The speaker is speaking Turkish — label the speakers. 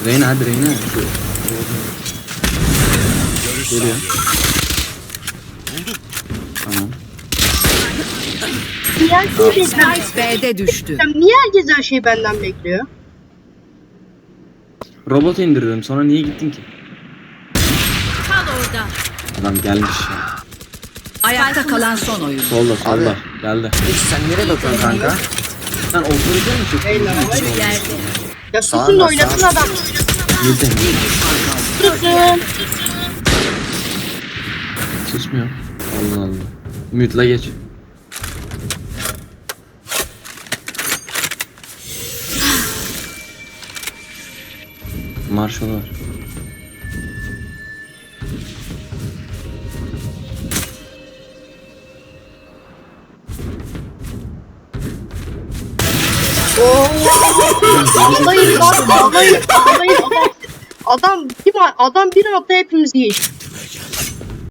Speaker 1: Reyna hadi Reyna. Geliyor. Tamam.
Speaker 2: Niye herkes
Speaker 3: Spike B'de düştü.
Speaker 2: Niye herkes her şeyi benden bekliyor?
Speaker 1: Robot indirdim sonra niye gittin ki?
Speaker 4: Kal orada.
Speaker 1: Adam gelmiş ya.
Speaker 3: Ayakta kalan son oyun.
Speaker 1: Solda solda. Geldi.
Speaker 5: Hiç sen nereye bakıyorsun kanka?
Speaker 1: Sen otorite mi çıktın?
Speaker 2: Beyler,
Speaker 4: Yerde.
Speaker 2: Ya
Speaker 5: Sağ
Speaker 2: susun da
Speaker 5: ol,
Speaker 2: oynasın
Speaker 5: sağ ol.
Speaker 2: adam.
Speaker 1: Yedi.
Speaker 2: Susun.
Speaker 1: Susmuyor. Allah Allah. Mute'la geç. Marshall var.
Speaker 2: Ağlayın lan, ağlayın, ağlayın. Adam bir anda hepimizi geçti.